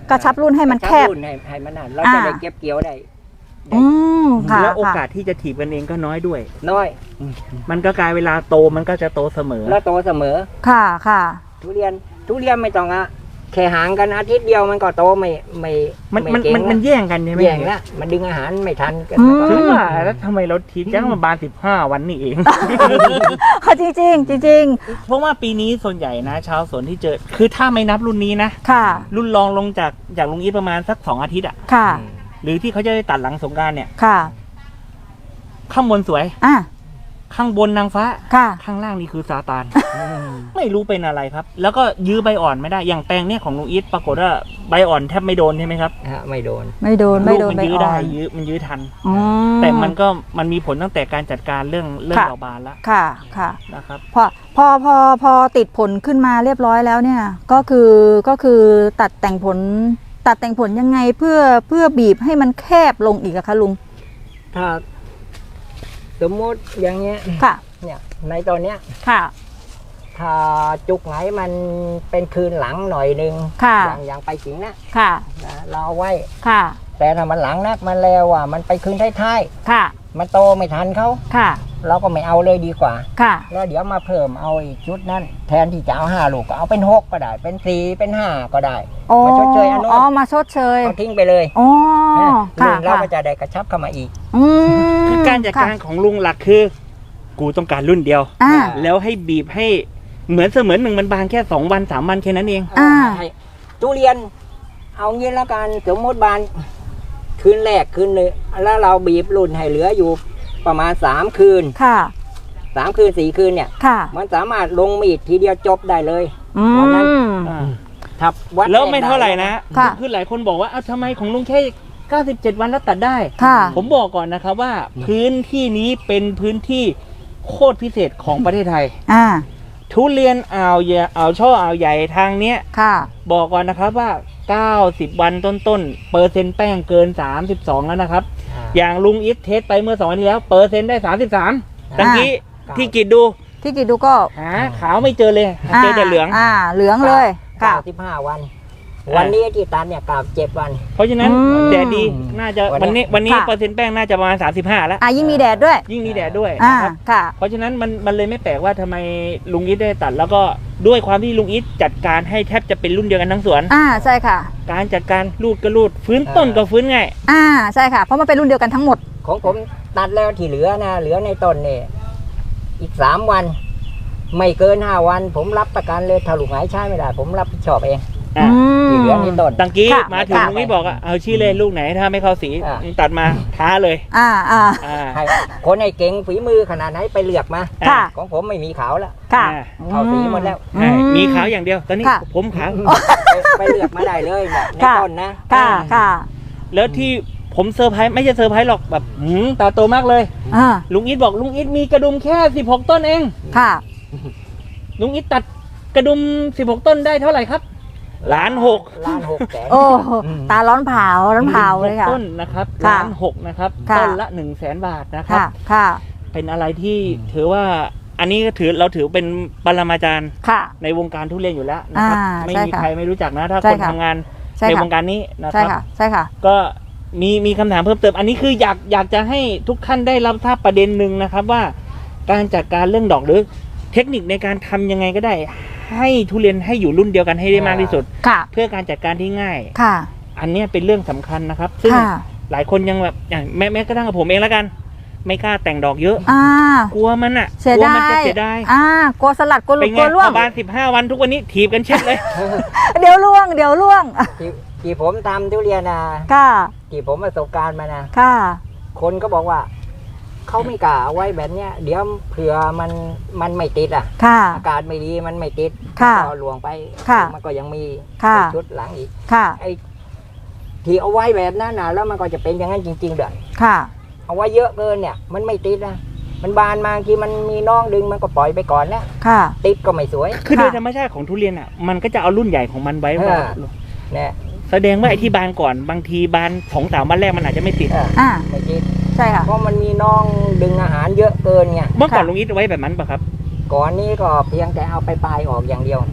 Speaker 2: กระชับรุ่นให้มันแคบ
Speaker 3: กระชัรุ่นให้ให้มันนั่นเราจะได้เก็บเกี่ยวได้
Speaker 2: อืมค่ะ
Speaker 1: แล้วโอกา
Speaker 2: ค่ะ
Speaker 1: สที่จะถีบกันเองก็น้อยด้วย
Speaker 3: น้อย
Speaker 1: มันก็กลายเวลาโตมันก็จะโตเสมอ
Speaker 3: แล้วโตเสมอ
Speaker 2: ค่ะค่ะ
Speaker 3: ทุเรียนทุเรียนไม่ต้องอะแค่ห่างกันอาทิตย์เดียวมันก็โตไม่ไม่
Speaker 1: มันมัน
Speaker 3: ไเก่ง
Speaker 1: มันมัน
Speaker 3: ละ
Speaker 1: แย่งกันใช่ไหม
Speaker 3: แย่งละมันดึงอาหารไม่ทันกัน
Speaker 2: อืม
Speaker 1: ถึงว่าแล้วทำไมเราทีจ้างมาบานสิบห้าวันนี่เอง
Speaker 2: ค่ะจริงจริงจริงจริง
Speaker 1: เพราะว่าปีนี้ส่วนใหญ่นะ ชาวสวนที่เจอ คือถ้าไม่นับรุ่นนี้นะ
Speaker 2: ค่ะ
Speaker 1: รุ่นรองลงจากจากลุงอีทประมาณสักสองอาทิตย์อะ
Speaker 2: ค่ะ
Speaker 1: หรือที่เขาจะได้ตัดหลังสงกรานต์เนี่ย
Speaker 2: ค่ะ
Speaker 1: ข้างบนสวย
Speaker 2: อ่ะ
Speaker 1: ข้างบนนางฟ้า
Speaker 2: ค่ะ
Speaker 1: ข้างล่างนี่คือซาตาน ไม่รู้เป็นอะไรครับ แล้วก็ยื้อใบอ่อนไม่ได้ อย่างแปลงเนี่ยของลุงอีทปรากฏว่าใบอ่อนแทบไม่โดนใช่ไหมครับ
Speaker 3: ฮะไม่โดน
Speaker 2: ไม่โดนไม่โดน
Speaker 1: ลูก
Speaker 2: ไม่
Speaker 1: มันยื้อ
Speaker 2: อ่
Speaker 1: ได้
Speaker 2: อน
Speaker 1: ยื้อมันยื้อทัน
Speaker 2: อื
Speaker 1: แต่มันก็มันมีผลตั้งแต่การจัดการเรื่องเรื่อง
Speaker 2: ค่ะ
Speaker 1: ดอกบานแล้ว
Speaker 2: ค่ะค่ะ
Speaker 1: นะครับ
Speaker 2: พอพอพอพอติดผลขึ้นมาเรียบร้อยแล้วเนี่ย ก็คือก็คือตัดแต่งผล ตัดแต่งผลยังไงเพื่อเพื่อบีบให้มันแคบลงอีกอะคะลุง
Speaker 3: ถ้าสมมติอย่างเงี้ย
Speaker 2: ค่ะ
Speaker 3: เนี่ยในตอนเนี้ย
Speaker 2: ค่ะ
Speaker 3: ถ้าจุกไหนมันเป็นคืนหลังหน่อยนึง
Speaker 2: ค่ะ
Speaker 3: อย่างอย่างไปจริงนะ
Speaker 2: ค่ะ
Speaker 3: นะเราเอาไว้
Speaker 2: ค่ะ
Speaker 3: แต่ถ้ามันหลังนักมันแล้วอ่ะมันไปคืนท้าย
Speaker 2: ค่ะ
Speaker 3: ๆมันโตไม่ทันเขา
Speaker 2: ค่ะ
Speaker 3: เราก็ไม่เอาเลยดีกว่า
Speaker 2: ค่ะ
Speaker 3: แล้วเดี๋ยวมาเพิ่มเอาอีกชุดนั้นแทนที่จะเอาห้าลูกก็เอาเป็นหกก็ได้ เป็นสี่เป็นห้าก็ได้
Speaker 2: อ๋อ
Speaker 3: มาชดเชยอันโน้น
Speaker 2: อ๋อ มาชดเชย
Speaker 3: เอาทิ้งไปเลย
Speaker 2: อ๋อ
Speaker 3: นะ
Speaker 2: ค่ะ
Speaker 3: ลุงเรา
Speaker 2: ค่ะ
Speaker 3: ก็จะได้กระชับเข้ามาอีก
Speaker 2: อืม
Speaker 1: คือการจัดการ
Speaker 2: ค่ะ
Speaker 1: ของลุงหลักคือ กูต้องการรุ่นเดียว
Speaker 2: อ่า
Speaker 1: แล้วให้บีบให้เหมือนเสมือนหนึ่งมันบางแค่สองวันสามวันแค่นั้นเอง
Speaker 2: อ่า
Speaker 3: ให้ทุเรียน เอางี้แล้วกันสมมติบานคืนแรกคืนหนึ่งแล้วเราบีบรุ่นให้เหลืออยู่ประมาณสามคืน
Speaker 2: ค่ะ
Speaker 3: สามคืนสี่คืนเนี่ย
Speaker 2: ค่ะ
Speaker 3: มันสามารถลงมีดทีเดียวจบได้เลย
Speaker 2: อื
Speaker 3: วันนั้น
Speaker 2: ม
Speaker 1: อ่า
Speaker 3: ทับวัด
Speaker 1: แล้วไม่เท่าไหร่นะ
Speaker 2: ค่ะ
Speaker 1: คือหลายคนบอกว่าเอ้าทำไมของลุงแค่เก้าสิบเจ็ดวันแล้วตัดได้
Speaker 2: ค่ะ
Speaker 1: ผมบอกก่อนนะครับว่าพื้นที่นี้เป็นพื้นที่โคตรพิเศษของประเทศไทย
Speaker 2: อ่า
Speaker 1: ทุเรียนอ่าวใหญ่อ่าวช่ออ่าวใหญ่ทางเนี้ย
Speaker 2: ค่ะ
Speaker 1: บอกก่อนนะครับว่า เก้าสิบ วันต้นๆ เปอร์เซ็นต์แป้งเกิน สามสิบสอง แล้วนะครับ
Speaker 3: อ่า
Speaker 1: อย่างลุงอิทเทสไปเมื่อสองวันที่แล้ว เปอร์เซ็นต์ได้ สามสิบสาม
Speaker 3: อ่า
Speaker 1: ตะกี้
Speaker 3: ครับ
Speaker 1: ที่กิดดู
Speaker 2: ที่กิดดูก็
Speaker 1: หาขาวไม่เจอเลย เจอแต่เหลือง
Speaker 2: อ่า เหลืองเลย ค่ะ
Speaker 3: เก้าสิบห้าวัน วันนี้ที่ตัดเนี่ยกลับเจ็ดวัน
Speaker 1: เพราะฉะนั้น
Speaker 2: อืม
Speaker 1: แดดดีน่าจะ
Speaker 3: วั
Speaker 1: วัน
Speaker 3: นนี้
Speaker 1: นี้วันนี้
Speaker 2: ค่ะ
Speaker 1: เปอร์เซ็นต์แป้งน่าจะประมาณ สามสิบห้า แล้ว
Speaker 2: อ่ายิ่งมีแดดด้วย
Speaker 1: ยิ่งมีแดดด้วย
Speaker 2: อ่า
Speaker 1: นะครับ
Speaker 2: ค่ะ
Speaker 1: เพราะฉะนั้นมันมันเลยไม่แปลกว่าทำไมลุงอิทได้ตัด แล้วก็ด้วยความที่ลุงอิทจัดการให้แทบจะเป็นรุ่นเดียวกันทั้งสวน
Speaker 2: อ่า ใช่ค่ะ
Speaker 1: การจัดการรูดก็รูดฟื้นต้นก็ฟื้นง่าย
Speaker 2: อ่า ใช่ค่ะ เพราะมันเป็นรุ่นเดียวกันทั้งหมด
Speaker 3: ของผมตัดแล้วที่เหลือนะเหลือในต้นเนี่ยอีกสามวัน ไม่เกินห้าวัน ผมรับประกันเลยถ้าลูกไหนใช้ไม่ได้ ผมรับผิดชอบเอง
Speaker 1: อ่ะ
Speaker 3: ที่เหลือในต้น
Speaker 1: ตังกี้
Speaker 2: ค่ะ
Speaker 1: มาถึง
Speaker 2: ค่ะ
Speaker 1: ลุงอิทบอกอ่ะเอาชี้เลยลูกไหนถ้าไม่เข้าสี
Speaker 3: อ่ะ
Speaker 1: ตัดมาท้าเลย
Speaker 2: อ่า อ่า
Speaker 1: อ่า
Speaker 3: ให้คนให้เก่งฝีมือขนาดไหนไปเลือกมา
Speaker 2: ค่ะ
Speaker 3: ของผมไม่มีขาวแล้ว
Speaker 2: ค่ะ
Speaker 1: อ่า
Speaker 3: เข้าสีหมดแล้ว
Speaker 1: ใช่มีขาวอย่างเดียว ตอนนี้
Speaker 2: ค่ะ
Speaker 1: ผมขาว
Speaker 3: ไปไปเลือกมาได้เลยเนี่ยใน
Speaker 2: ค่ะ
Speaker 3: ต้นนะ
Speaker 2: ค่ะ ค่ะ
Speaker 1: แล้วที่ผมเซอร์ไพรส์ไม่ใช่เซอร์ไพรส์หรอกแบบหืมตาโตมากเลย
Speaker 2: อ่า
Speaker 1: ลุงอิทบอกลุงอิทมีกระดุมแค่สิบหกต้นเอง
Speaker 2: ค่ะ
Speaker 1: ลุงอิทตัดกระดุมสิบหกต้นได้เท่าไหร่ครับล้านหก
Speaker 3: ล้านหกแสน
Speaker 2: โอ้ ตาร้อนเผา ร้อนเผาเลยค่ะ
Speaker 1: ต้นนะครับ
Speaker 2: ค่ะ
Speaker 1: ล้านหกนะครับ
Speaker 2: ค่ะ
Speaker 1: ต้นละหนึ่งแสนบาทนะครับ
Speaker 2: ค่ะ ค่ะ
Speaker 1: เป็นอะไรที่ถือว่าอันนี้ก็ถือเราถือเป็นปรมาจารย์
Speaker 2: ค่ะ
Speaker 1: ในวงการทุเรียนอยู่แล้วนะครับ
Speaker 2: อ่า
Speaker 1: ไม่
Speaker 2: ใช่
Speaker 1: มี
Speaker 2: ค่ะ
Speaker 1: ใครไม่รู้จักนะ ถ้า
Speaker 2: ใช่
Speaker 1: คน
Speaker 2: ค่ะ
Speaker 1: ทำงาน
Speaker 2: ใช่
Speaker 1: ใน
Speaker 2: ค่ะ
Speaker 1: วงการนี้นะค
Speaker 2: ใช่
Speaker 1: รับ
Speaker 2: ค่ะ ใช่ค่ะ
Speaker 1: ก็มีมีคำถามเพิ่มเติม อันนี้คืออยากอยากจะให้ทุกท่านได้รับทราบประเด็นหนึ่งนะครับว่า การจัดการเรื่องดอกหรือเทคนิคในการทำยังไงก็ได้ ให้ทุเรียนให้อยู่รุ่นเดียวกันให้ได้มากที่สุด
Speaker 2: ค่ะ
Speaker 1: เพื่อการจัดการที่ง่าย
Speaker 2: ค่ะ
Speaker 1: อันเนี้ยเป็นเรื่องสำคัญนะครับ ซึ่ง
Speaker 2: ค่ะ
Speaker 1: หลายคนยังแบบอย่างแม้แม้กระทั่งกับผมเองแล้วกัน ไม่กล้าแต่งดอกเยอะ
Speaker 2: อ่า
Speaker 1: กลัวมันอ่ะ
Speaker 2: เสีย
Speaker 1: กลัว
Speaker 2: ดา
Speaker 1: มันจะ
Speaker 2: ย
Speaker 1: เสียดาย
Speaker 2: อ่ากลัวสลัดกลัวหลุ
Speaker 1: เป็
Speaker 2: ด
Speaker 1: น
Speaker 2: ก
Speaker 1: ไง
Speaker 2: ลัวร่วง
Speaker 1: ประมาณสิบห้าวันทุกวันนี้ถีบกันเช็ดเลย
Speaker 2: เดี๋ยวร่วง เดี๋ยวร่วง
Speaker 3: ที่ที่ผมทำทุเรียนนะ
Speaker 2: ค่ะ
Speaker 3: ที่ผมประสบการณ์มานะ
Speaker 2: ค่ะ
Speaker 3: คนก็บอกว่า เขาไม่กล้าเอาไว้แบบเนี้ย เดี๋ยวเผื่อมันมันไม่ติดอ่ะ
Speaker 2: ค่ะ
Speaker 3: อากาศไม่ดีมันไม่ติด
Speaker 2: ค่ะ
Speaker 3: ก็หลวงไป
Speaker 2: ค่ะ
Speaker 3: มันก็ยังมี
Speaker 2: ค่ะ
Speaker 3: ชุดหลังอีก
Speaker 2: ค่ะ
Speaker 3: ไอ้ที่เอาไว้แบบนั้นนะแล้วมันก็จะเป็นอย่างนั้นจริงๆเด้อ
Speaker 2: ค่ะ
Speaker 3: เอาไว้เยอะเกินเนี่ย มันไม่ติดนะมันบานมาที่มันมีน้องดึงมันก็ปล่อยไปก่อนแล้ว
Speaker 2: ค่ะ
Speaker 3: ติดก็ไม่สวย
Speaker 1: คือ
Speaker 2: ค่ะ
Speaker 1: โดยธรรมชาติของทุเรียนอ่ะ มันก็จะเอารุ่นใหญ่ของมันไว้
Speaker 3: เออ
Speaker 1: ว่า
Speaker 3: เนี่ย
Speaker 1: แสดงว่าไอ้ที่บานก่อนบางทีบานสองสามวันแรกมันอาจจะไม่ติด
Speaker 3: เออ
Speaker 2: อ่า
Speaker 3: ไม่ติด
Speaker 2: ใช่ค่ะ
Speaker 3: เพราะมันมีน้องดึงอาหารเยอะเกินไง
Speaker 1: เมื่อก่อน
Speaker 2: ค่ะ
Speaker 1: ลุงอิทไว้แบบนั้นปะครับ
Speaker 3: ก่อนนี้ก็เพียงแต่เอาไปปลายออกอย่างเดียว
Speaker 1: อ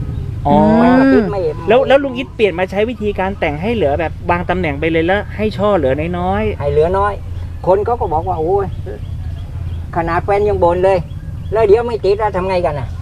Speaker 1: อ๋อ
Speaker 3: ไม่ว่าติดไม่
Speaker 1: แล้วแล้วลุงอิทเปลี่ยนมาใช้วิธีการแต่งให้เหลือแบบบางตำแหน่งไปเลยแล้วให้ช่อเหลือน้อย
Speaker 3: ให้เหลือน้อย คนเขาก็บอกว่าโอ้ยขนาดแฟนยังบ่นเลย แล้วเดี๋ยวไม่ติดแล้วทำไงกันน่ะ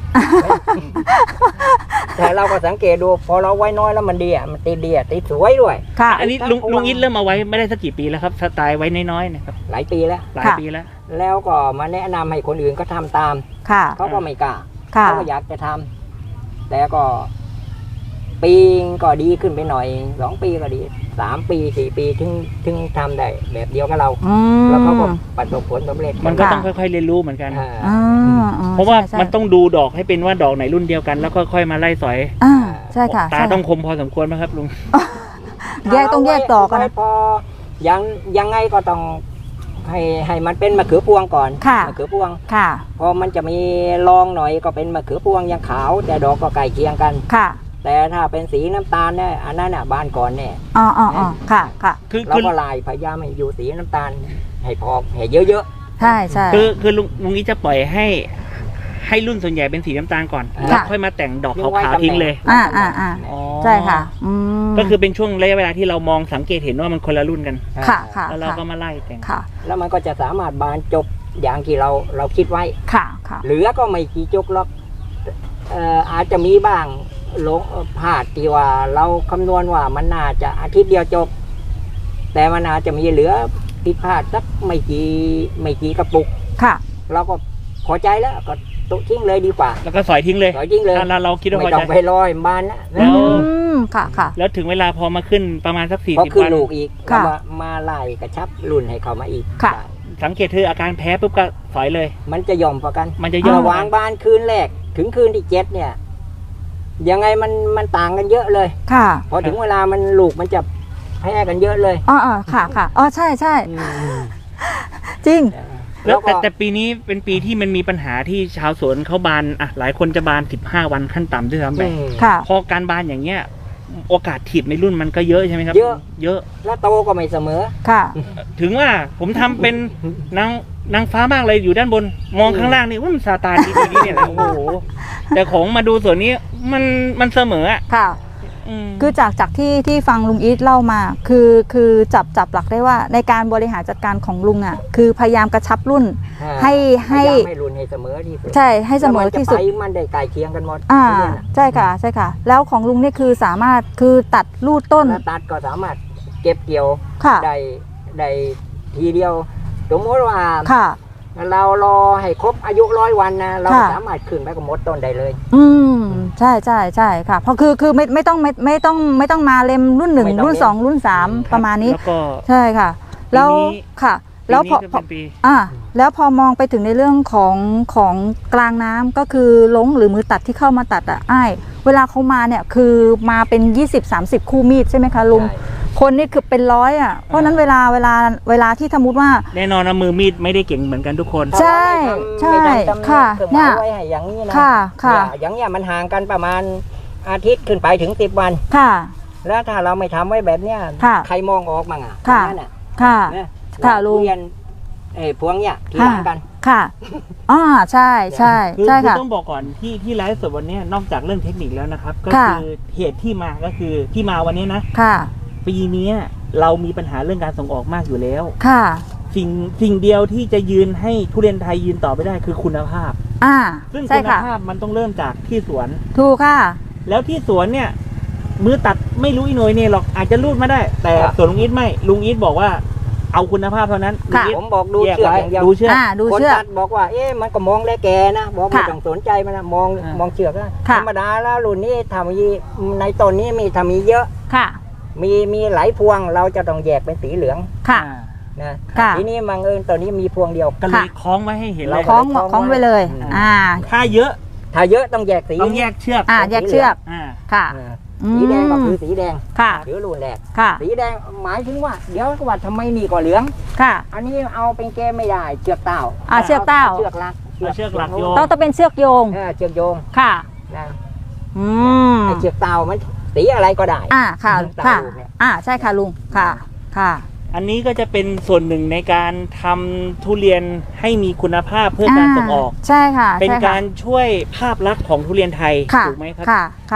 Speaker 3: แต่เราก็สังเกตดูพอเราไว้น้อยแล้วมันดีอ่ะมันติดดีอ่ะติดสวยด้วย
Speaker 2: ค่ะ
Speaker 1: ๆอันนี้ลุงลุงอิทเริ่มมาไว้ไม่ได้สักกี่ปีแล้วครับสไตล์ไว้น้อยๆเนะครับ
Speaker 3: หลายปีแล้ว
Speaker 1: หลาย
Speaker 2: ค่ะ
Speaker 1: ปีแล้ว
Speaker 3: แล้วก็มาแนะนำให้คนอื่นก็ทำตาม
Speaker 2: ค่ะ
Speaker 3: เขาก็ไม่กล้า
Speaker 2: ค่ะ
Speaker 3: เขาก็อยากจะทำแต่ก็ปีก็ดีขึ้นไปหน่อยสองปีก็ดีสามปีสี่ปีถึงถึงทำได้แบบเดียวกับเรา
Speaker 2: อืม
Speaker 3: แล้วเขาก็ประสบผลสำเร็จ
Speaker 1: มันก็
Speaker 2: ค่ะ
Speaker 1: ต้องค่อยๆเรียนรู้เหมือนกัน
Speaker 3: อ่า
Speaker 2: อ่าอ่
Speaker 1: เพราะว่า
Speaker 2: ใช่
Speaker 1: มันต้องดูดอกให้เป็นว่าดอกไหนรุ่นเดียวกันแล้วก็ค่อยมาไล่สอย
Speaker 2: อ่าใช่ค่ะ
Speaker 1: ตา
Speaker 2: ใช่
Speaker 1: ต้องคมพอสมควรไหมครับลุง
Speaker 2: แยกต้องแยกดอกกัน
Speaker 3: ไว้
Speaker 2: นะ
Speaker 3: พอยังยังไงก็ต้องให้ให้มันเป็นมะเขือพวงก่อน
Speaker 2: ค่ะ
Speaker 3: มะเขือพวง
Speaker 2: ค่ะ
Speaker 3: พอมันจะมีรองหน่อยก็เป็นมะเขือพวงยังขาว แต่ดอกก็ใกล้เคียงกัน
Speaker 2: ค่ะ
Speaker 3: แต่ถ้าเป็นสีน้ำตาลเนี่ยอันนั้นน่ะบานก่อนเนี่ย
Speaker 2: อ๋ออ๋ออ๋อค่ะค่ะ
Speaker 1: คือ
Speaker 3: เรา
Speaker 1: คือ
Speaker 3: ก็ลายพยายามให้อยู่สีน้ำตาลให้พอให้เยอะ
Speaker 2: ใช่ใช่
Speaker 1: คือคือลุงลุงอิทจะปล่อยให้ให้รุ่นส่วนใหญ่เป็นสีน้ำตาลก่อน
Speaker 3: ค่ะ
Speaker 1: แล้วค่อยมาแต่งดอกขาวๆทิ้งเลย
Speaker 2: อ่าอ่าอ่า
Speaker 1: อ๋อ
Speaker 2: ใช่ค่ะอืม
Speaker 1: ก็คือเป็นช่วงระยะเวลาที่เรามองสังเกตเห็นว่ามันคนละรุ่นกัน
Speaker 3: ๆ
Speaker 2: ค่ะค่ะ
Speaker 1: แล้วเราก็มาไล่แต่ง
Speaker 2: ค่ะ
Speaker 3: แล้วมันก็จะสามารถบานจบอย่างที่เราเราคิดไว้
Speaker 2: ค่ะค่ะ
Speaker 3: เหลือก็ไม่กี่จุกหรอกเอ่ออาจจะมีบ้างหลงพลาดที่ว่าเราคำนวณว่ามันน่าจะอาทิตย์เดียวจบ แต่มันอาจจะมีเหลือผิดพลาดสักไม่กี่ไม่กี่กระปุก
Speaker 2: ค่ะ
Speaker 3: เราก็พอใจแล้วก็ตุทิ้งเลยดีกว่า
Speaker 1: แล้วก็สอยทิ้งเลย
Speaker 3: ปล่อยทิ้งเลย
Speaker 1: อ่ะเราเราคิดว่า
Speaker 3: ไม่
Speaker 1: พอ
Speaker 3: ต้อ
Speaker 1: ใจ
Speaker 3: งไปรอยบานนะ
Speaker 1: แล้ว
Speaker 2: อืมค่ะค่ะ
Speaker 1: แล้วถึงเวลาพอมาขึ้นประมาณสักสี่
Speaker 3: พอ
Speaker 1: สิบ
Speaker 3: ขึ้น
Speaker 1: วัน
Speaker 3: ลูกอีก
Speaker 2: ค่ะ
Speaker 3: เรามามาไล่กระชับรุ่นให้เขามาอีก
Speaker 2: ค่ะ
Speaker 1: สังเกตคืออาการแพ้ปุ๊บก็สอยเลย
Speaker 3: มันจะย่อมพอกัน
Speaker 1: มันจะย่อม
Speaker 3: ระหวางบานคืนแรกถึงคืนที่เจ็ดเนี่ย ยังไงมันมันต่างกันเยอะเลย
Speaker 2: ค่ะ
Speaker 3: พอถึงเวลามันลูกมันจะแพ้กันเยอะเลย
Speaker 2: อ๋ออ๋อค่ะค่ะอ๋อใช่ใช่
Speaker 3: อืม
Speaker 2: จริง
Speaker 1: แล้
Speaker 3: แล้ว ว
Speaker 1: แต่
Speaker 3: ก็
Speaker 1: แต่ปีนี้เป็นปีที่มันมีปัญหาที่ชาวสวนเขาบานอ่ะหลายคนจะบานสิบห้าวันขั้นต่ำด้วยซ้ำไป
Speaker 3: อืม
Speaker 2: ค่ะ
Speaker 1: พอการบานอย่างเงี้ยโอกาสถีบในรุ่นมันก็เยอะใช่ไหมครับ
Speaker 3: เยอะ
Speaker 1: เยอะ
Speaker 3: แล้วโตก็ไม่เสมอ
Speaker 2: ค่ะ
Speaker 1: ถึงว่าผมทำเป็นนางนางฟ้ามากเลยอยู่ด้านบน มองข้างล่างนี่ว่ามันซาตานดีๆเนี่ยแหละโอ้โหแต่ของมาดูส่วนนี้มันมันเสมออ่ะ
Speaker 2: ค่ะ
Speaker 1: อืม
Speaker 2: คือจากจากที่ที่ฟังลุงอีทเล่ามา คือคือจับจับหลักได้ว่าในการบริหารจัดการของลุงอ่ะ คือพยายามกระชับรุ่น ให้ให้
Speaker 3: พยายามให้รุ่นให้เสมอที่สุด
Speaker 2: ใช่ให้เสมอที่สุด
Speaker 3: แล้วมันจะไปมันได้ใกล้เคียงกันหมด
Speaker 2: อ่า
Speaker 3: ทุเรียนอะ
Speaker 2: ใช่ค่ะใช่ค่ะ แล้วของลุงนี่คือสามารถคือตัดรูดต้น
Speaker 3: แล้วตัดก็สามารถเก็บเกี่ยว
Speaker 2: ค่ะ
Speaker 3: ได้ได้ทีเดียวสมมติว่า
Speaker 2: ค่ะ
Speaker 3: เรารอให้ครบอายุร้อยวันนะเรา
Speaker 2: ค่ะ
Speaker 3: สามารถขึ้นไปกับมดต้นได้เลย
Speaker 2: อืมใช่ใช่ใช่ค่ะ เพราะคือคือไม่ไม่ต้องไม่ไม่ต้องไม่ต้องมาเล่มรุ่นหนึ่ง
Speaker 3: ไม่ต้อง
Speaker 2: รุ่น
Speaker 3: เล่ม
Speaker 2: สองรุ่นสามประมาณนี้
Speaker 1: แล้วก็
Speaker 2: ใช่ค่ะ แล้ว
Speaker 1: ปีนี้
Speaker 2: ค่ะ แล้วพอ
Speaker 1: ปีนี้
Speaker 2: พอ
Speaker 1: ก็เป็นปี
Speaker 2: อ่าแล้วพอมองไปถึงในเรื่องของของกลางน้ำก็คือลงหรือมือตัดที่เข้ามาตัดอ่ะอ้ายเวลาเขามาเนี่ยคือมาเป็น ยี่สิบ สามสิบ คู่มีดใช่ไหมคะลุง
Speaker 3: ใช่
Speaker 2: คนนี่คือเป็นร้อยอ่ะเพราะฉะนั้นเวลาเวลาเวลาที่สมมติว่า
Speaker 1: แน่นอนนะมือมีดไม่ได้เก่งเหมือนกันทุกคน
Speaker 2: ใช่
Speaker 3: ถ้าเราไม่ทำ
Speaker 2: ใช่
Speaker 3: ไม่ทำตำแหน่ง
Speaker 2: ค่ะ
Speaker 3: เครื่องห
Speaker 2: เนี่
Speaker 3: มาย ยไว้ให้อย่างนี้นะ
Speaker 2: ค่ะค่ะ
Speaker 3: เนี่ยอย่างเนี้ยมันห่างกันประมาณอาทิตย์ขึ้นไปถึงสิบวัน
Speaker 2: ค่ะ
Speaker 3: แล้วถ้าเราไม่ทำไว้แบบเนี้ย
Speaker 2: ค่ะ
Speaker 3: ใครมองออกมั่งอ่ะ
Speaker 2: ค่ะ
Speaker 3: นั่นน่ะ
Speaker 2: ค่ะ
Speaker 3: นะ
Speaker 2: ค่ะลุง
Speaker 3: ทุเรียนเอ้ยพวงเนี้ยที่
Speaker 2: ค่ะ
Speaker 3: ห่างกัน
Speaker 2: ค่ะอ่าใช่ใช่
Speaker 1: คือ
Speaker 2: ใช่
Speaker 1: คือ
Speaker 2: ค่ะ
Speaker 1: ต้องบอกก่อนที่ที่ไลฟ์สดวันนี้นอกจากเรื่องเทคนิคแล้วนะครับ ก็
Speaker 2: ค่ะ
Speaker 1: คือเหตุที่มาก็คือที่มาวันนี้นะ
Speaker 2: ค่ะ
Speaker 1: ปีนี้เรามีปัญหาเรื่องการส่งออกมากอยู่แล้ว
Speaker 2: ค่ะ
Speaker 1: สิ่งสิ่งเดียวที่จะยืนให้ทุเรียนไทยยืนต่อไปได้คือคุณภาพ
Speaker 2: อ่า
Speaker 1: ซึ่ง
Speaker 2: ใช่
Speaker 1: คุณ
Speaker 2: ค่ะ
Speaker 1: ภาพมันต้องเริ่มจากที่สวน
Speaker 2: ถูกค่ะ
Speaker 1: แล้วที่สวนเนี่ยมือตัดไม่รู้อีโหนยเนี่ยหรอกอาจจะรูดมาได้ แต่
Speaker 3: ครับ
Speaker 1: ส่วนลุงอีทไม่ลุงอีทบอกว่าเอาคุณภาพเท่านั้นลุง
Speaker 2: ค่ะ
Speaker 1: อีท
Speaker 3: ผมบอกดู
Speaker 1: แยก
Speaker 3: เชือก
Speaker 1: ไว้
Speaker 3: อย่างเดียว
Speaker 1: ดูเชือก
Speaker 2: อ่าดู
Speaker 3: คน
Speaker 2: เชือก
Speaker 3: ตัดบอกว่า เอ๊ะมันก็มองได้แกนะ บอกไม่
Speaker 2: ค่ะ
Speaker 3: ต้องสนใจมันนะมอง
Speaker 1: อ่าม
Speaker 3: มองเชือกนะ
Speaker 2: ค่ะ
Speaker 3: ธรรมดาแล้วรุ่นนี้ทำมีในต้นนี้มีทำมีเยอะ
Speaker 2: ค่ะ
Speaker 3: มีมีหลายพวงเราจะต้องแยกเป็นสีเหลือง
Speaker 2: ค่ะ
Speaker 1: อ่า
Speaker 3: นะ
Speaker 2: ค่ะ
Speaker 3: ทีนี้มังเอิญตัวนี้มีพวงเดียว
Speaker 1: ก็เลยคล้องไว้ให้เห็นเลย
Speaker 3: รา
Speaker 2: คล้อง
Speaker 3: คล้อง
Speaker 2: คล้อง
Speaker 3: ไว้
Speaker 2: ไปเลย
Speaker 3: อืม
Speaker 2: อ่า
Speaker 1: ถ้าเยอะ
Speaker 3: ถ้าเยอะต้องแยกสี
Speaker 1: ต้องแยกเชือก
Speaker 2: อ่าแยกเชือก
Speaker 1: อ่า
Speaker 2: ค่ะ
Speaker 3: เออ
Speaker 2: อืม
Speaker 3: สีแดงก็คือสีแดง
Speaker 2: ค่ะ
Speaker 3: หรือรุ่นแรก
Speaker 2: ค่ะ
Speaker 3: สีแดงหมายถึงว่า เดี๋ยวก็ว่าทำไมนี่ก็เหลือง
Speaker 2: ค่ะ
Speaker 3: อันนี้เอาเป็นแก้ไม่ได้เชือกเต้า
Speaker 2: อ่าเชือกเต้า
Speaker 3: เชือกลัก
Speaker 1: เอาเชือกหลักโย
Speaker 2: ต้องต้องเป็นเชือกโยง
Speaker 3: เออเชือกโยง
Speaker 2: ค่ะ
Speaker 3: นะ
Speaker 2: อืม
Speaker 3: ไอเชือกเต้ามันสีอะไรก็ได้
Speaker 2: อ่า ค่ะ
Speaker 3: เต้า
Speaker 2: ค่ะ
Speaker 3: ลูกเนี่ย
Speaker 2: อ่า ใช่ค่ะลุง ค่ะ ค่ะ
Speaker 1: อันนี้ก็จะเป็นส่วนหนึ่งในการทำทุเรียนให้มีคุณภาพเพื่อการส่งออก
Speaker 2: ใช่ค่ะ
Speaker 1: เป็น
Speaker 2: ใช่ค่ะ
Speaker 1: การช่วยภาพลักษณ์ของทุเรียนไทย
Speaker 2: ค่ะ
Speaker 1: ถูกไหมครับ
Speaker 2: ค่ะ ค่ะ